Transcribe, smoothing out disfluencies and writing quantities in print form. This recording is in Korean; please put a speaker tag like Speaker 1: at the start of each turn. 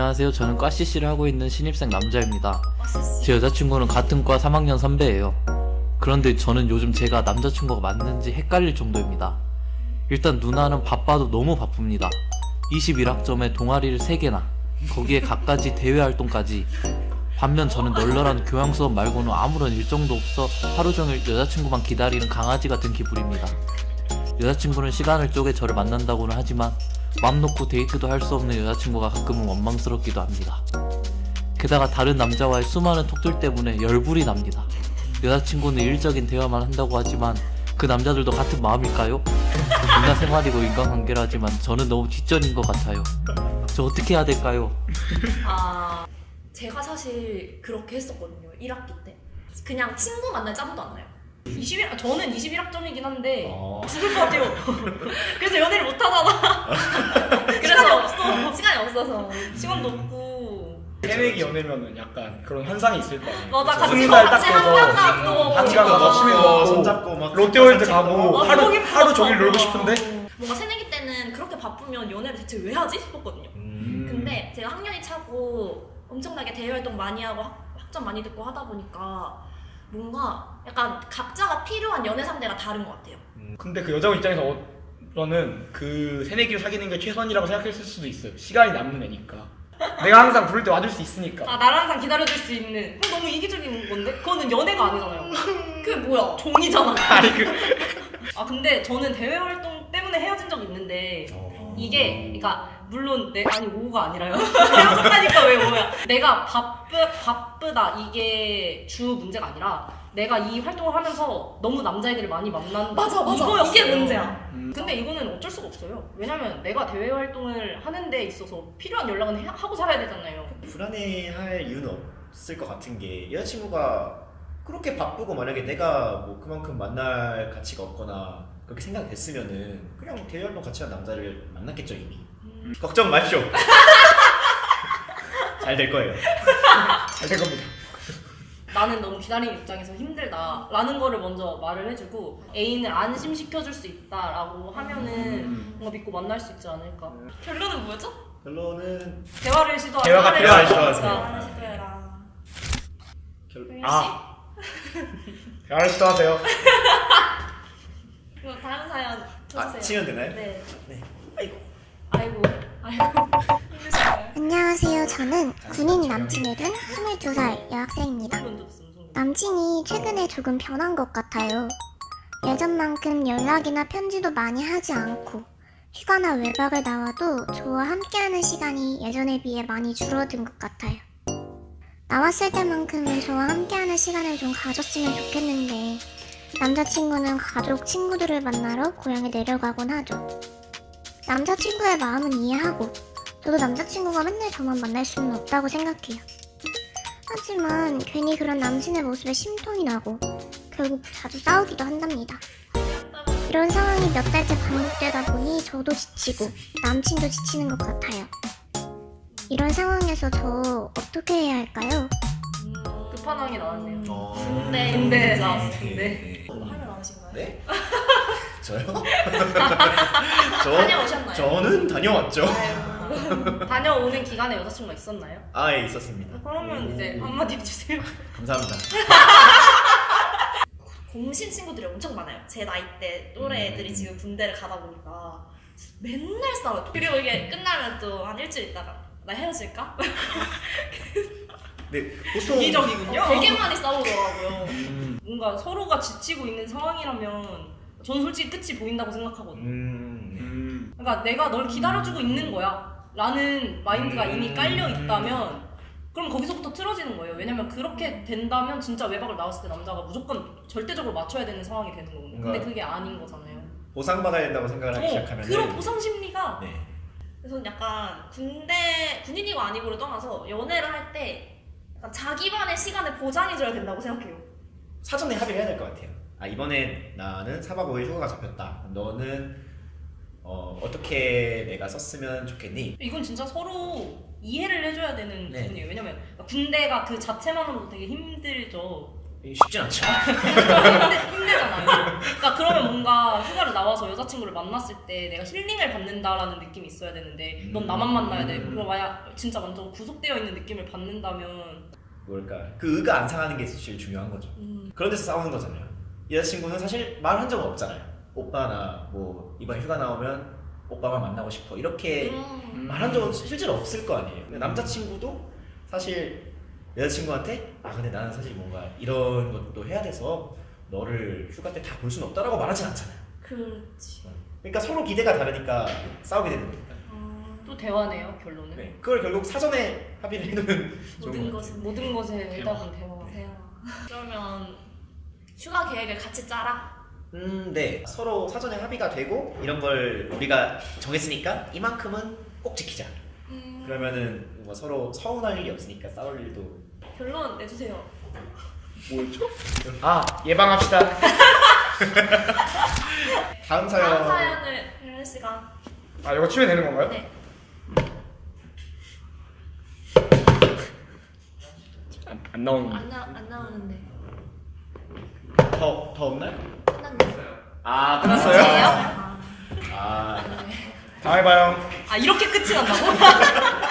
Speaker 1: 안녕하세요. 저는 과 CC를 하고 있는 신입생 남자입니다. 제 여자친구는 같은 과 3학년 선배예요. 그런데 저는 요즘 제가 남자친구가 맞는지 헷갈릴 정도입니다. 일단 누나는 바빠도 너무 바쁩니다. 21학점에 동아리를 3개나, 거기에 갖가지 대외 활동까지. 반면 저는 널널한 교양 수업 말고는 아무런 일정도 없어 하루 종일 여자친구만 기다리는 강아지 같은 기분입니다. 여자친구는 시간을 쪼개 저를 만난다고는 하지만 맘 놓고 데이트도 할 수 없는 여자친구가 가끔은 원망스럽기도 합니다. 게다가 다른 남자와의 수많은 톡들 때문에 열불이 납니다. 여자친구는 일적인 대화만 한다고 하지만 그 남자들도 같은 마음일까요? 문화 생활이고 인간관계라지만 저는 너무 뒷전인 것 같아요. 저 어떻게 해야 될까요?
Speaker 2: 제가 사실 그렇게 했었거든요. 1학기 때. 그냥 친구 만날 짬도 안 나요.
Speaker 3: 저는 21학점이긴 한데 죽을 것 같아요. 그래서 연애를 못 하잖아. 그래서
Speaker 2: 시간이 없어서.
Speaker 3: 시간도 없고.
Speaker 4: 새내기 연애면은 약간 그런 환상이 있을 거 아니에요.
Speaker 3: 맞아, 같이
Speaker 4: 20살 딱
Speaker 3: 같이
Speaker 4: 돼서
Speaker 3: 한강 가고
Speaker 4: 같이 가서
Speaker 3: 맞아.
Speaker 4: 맛있는 거 먹고
Speaker 5: 손잡고 막
Speaker 4: 롯데월드 가고
Speaker 3: 맞아,
Speaker 4: 하루
Speaker 3: 거기
Speaker 4: 하루 종일
Speaker 3: 맞아.
Speaker 4: 놀고 싶은데
Speaker 2: 뭔가 새내기 때는 그렇게 바쁘면 연애를 대체 왜 하지? 싶었거든요. 근데 제가 학년이 차고 엄청나게 대외활동 많이 하고 학점 많이 듣고 하다 보니까 뭔가 약간 각자가 필요한 연애 상대가 다른 것 같아요.
Speaker 4: 근데 그 여자분 입장에서는 그 새내기를 사귀는 게 최선이라고 생각했을 수도 있어요. 시간이 남는 애니까 내가 항상 부를 때 와줄 수 있으니까.
Speaker 3: 나를 항상 기다려줄 수 있는. 그건 너무 이기적인 건데? 그거는 연애가 아니잖아요.
Speaker 2: 그게 뭐야?
Speaker 3: 종이잖아.
Speaker 4: 아니
Speaker 3: 근데 저는 대외 활동 때문에 헤어진 적이 있는데 이게 그러니까 물론 아니 5가 아니라요. 헤어졌다니까 왜 5야? 내가 바쁘다 이게 주 문제가 아니라 내가 이 활동을 하면서 너무 남자애들을 많이 만난다.
Speaker 2: 맞아.
Speaker 3: 이거였어요.
Speaker 2: 이게 문제야.
Speaker 3: 근데 이거는 어쩔 수가 없어요. 왜냐면 내가 대외 활동을 하는 데 있어서 필요한 연락은 하고 살아야 되잖아요.
Speaker 5: 불안해할 이유는 없을 것 같은 게 여자친구가 그렇게 바쁘고 만약에 내가 뭐 그만큼 만날 가치가 없거나 그렇게 생각됐으면은 그냥 대외활동 같이 한 남자를 만났겠죠 이미. 걱정 마시오. 잘 될 거예요.
Speaker 4: 잘 될 겁니다.
Speaker 3: 나는 너무 기다리는 입장에서 힘들다라는 거를 먼저 말을 해주고 애인을 안심시켜줄 수 있다라고 하면은 뭔가 믿고 만날 수 있지 않을까.
Speaker 2: 결론은 뭐였죠?
Speaker 5: 결론은
Speaker 3: 대화를 시도하자.
Speaker 4: 대화가 필요할 것
Speaker 2: 하나
Speaker 4: 같아요.
Speaker 2: 시도해라.
Speaker 4: 대화를 시도하세요.
Speaker 2: 그럼 다음 사연 쳐주세요.
Speaker 5: 치면 되나요?
Speaker 2: 네.
Speaker 5: 네.
Speaker 2: 아이고. 힘드신가요?
Speaker 6: 안녕하세요. 저는 군인 남친이 된 22살 여학생입니다. 남친이 최근에 조금 변한 것 같아요. 예전만큼 연락이나 편지도 많이 하지 않고 휴가나 외박을 나와도 저와 함께하는 시간이 예전에 비해 많이 줄어든 것 같아요. 나왔을 때만큼은 저와 함께하는 시간을 좀 가졌으면 좋겠는데 남자친구는 가족, 친구들을 만나러 고향에 내려가곤 하죠. 남자친구의 마음은 이해하고 저도 남자친구가 맨날 저만 만날 수는 없다고 생각해요. 하지만 괜히 그런 남친의 모습에 심통이 나고 결국 자주 싸우기도 한답니다. 이런 상황이 몇 달째 반복되다 보니 저도 지치고 남친도 지치는 것 같아요. 이런 상황에서 저 어떻게 해야 할까요?
Speaker 3: 끝판왕이 나왔네요.
Speaker 2: 근데
Speaker 3: 나왔어.
Speaker 2: 화를 나으신가요?
Speaker 5: 네? 저요?
Speaker 2: 다녀오셨나요?
Speaker 5: 저는 다녀왔죠.
Speaker 3: 다녀오는 기간에 여자친구가 있었나요?
Speaker 5: 예, 있었습니다.
Speaker 3: 그러면 이제 한마디 해주세요.
Speaker 5: 감사합니다.
Speaker 2: 공신 친구들이 엄청 많아요. 제 나이대 또래 애들이 지금 군대를 가다 보니까 맨날 싸워요. 그리고 이게 끝나면 또 한 일주일 있다가 나 헤어질까?
Speaker 5: 네, 보통
Speaker 3: 이기적이군요.
Speaker 2: 되게 많이 싸우더라고요.
Speaker 3: 뭔가 서로가 지치고 있는 상황이라면 저는 솔직히 끝이 보인다고 생각하거든요. 그러니까 내가 널 기다려주고 있는 거야 라는 마인드가 이미 깔려 있다면 그럼 거기서부터 틀어지는 거예요. 왜냐면 그렇게 된다면 진짜 외박을 나왔을 때 남자가 무조건 절대적으로 맞춰야 되는 상황이 되는 거거든요. 근데 그게 아닌 거잖아요.
Speaker 5: 보상받아야 된다고 생각을 하기 시작하면
Speaker 3: 그런 보상 심리가
Speaker 5: 네.
Speaker 2: 그래서 약간 군인이고 아니고를 떠나서 연애를 할 때 약간 자기만의 시간을 보장해줘야 된다고 생각해요.
Speaker 5: 사전에 합의를 해야 될 것 같아요. 이번에 나는 4박 5일 휴가가 잡혔다. 너는 어떻게 내가 썼으면 좋겠니?
Speaker 3: 이건 진짜 서로 이해를 해줘야 되는
Speaker 5: 네.
Speaker 3: 부분이에요. 왜냐면 군대가 그 자체만으로도 되게 힘들죠.
Speaker 5: 쉽진 않죠.
Speaker 3: 힘들잖아요. 그러니까 그러면 뭔가 휴가를 나와서 여자친구를 만났을 때 내가 힐링을 받는다라는 느낌이 있어야 되는데 넌 나만 만나야 돼. 그럼 만약 진짜 완전 구속되어 있는 느낌을 받는다면
Speaker 5: 뭘까? 그 의가 안 상하는 게 제일 중요한 거죠. 그런 데서 싸우는 거잖아요. 여자친구는 사실 말한 적은 없잖아요. 오빠나 뭐 이번 휴가 나오면 오빠만 만나고 싶어 이렇게 말한 적은 실제로 없을 거 아니에요. 근데 남자친구도 사실 여자친구한테 근데 나는 사실 뭔가 이런 것도 해야 돼서 너를 휴가 때 다 볼 수는 없다라고 말하진 않잖아요.
Speaker 2: 그렇지.
Speaker 5: 그러니까 서로 기대가 다르니까 싸우게 되는 거니까.
Speaker 3: 또 대화네요 결론은.
Speaker 5: 네. 그걸 결국 사전에 합의를 해두면
Speaker 2: 모든 것은
Speaker 3: 모든 것에 해답은 대화.
Speaker 2: 대화. 그러면 휴가 계획을 같이 짜라.
Speaker 5: 네. 서로 사전에 합의가 되고 이런 걸 우리가 정했으니까 이만큼은 꼭 지키자. 그러면은 뭐 서로 서운할 일이 없으니까 싸울 일도.
Speaker 2: 결론 내주세요.
Speaker 4: 뭐였죠? 예방합시다.
Speaker 5: 다음 사연.
Speaker 2: 다음 사연을 혜연 씨가.
Speaker 4: 이거 치면 되는 건가요?
Speaker 2: 네.
Speaker 4: 안 나오는.
Speaker 2: 안 나오는데.
Speaker 5: 더 없나요?
Speaker 2: 끝났네요.
Speaker 5: 끝났어요?
Speaker 2: 아,
Speaker 5: 아.
Speaker 2: 네.
Speaker 4: 다음에 봐요.
Speaker 3: 이렇게 끝이 난다고?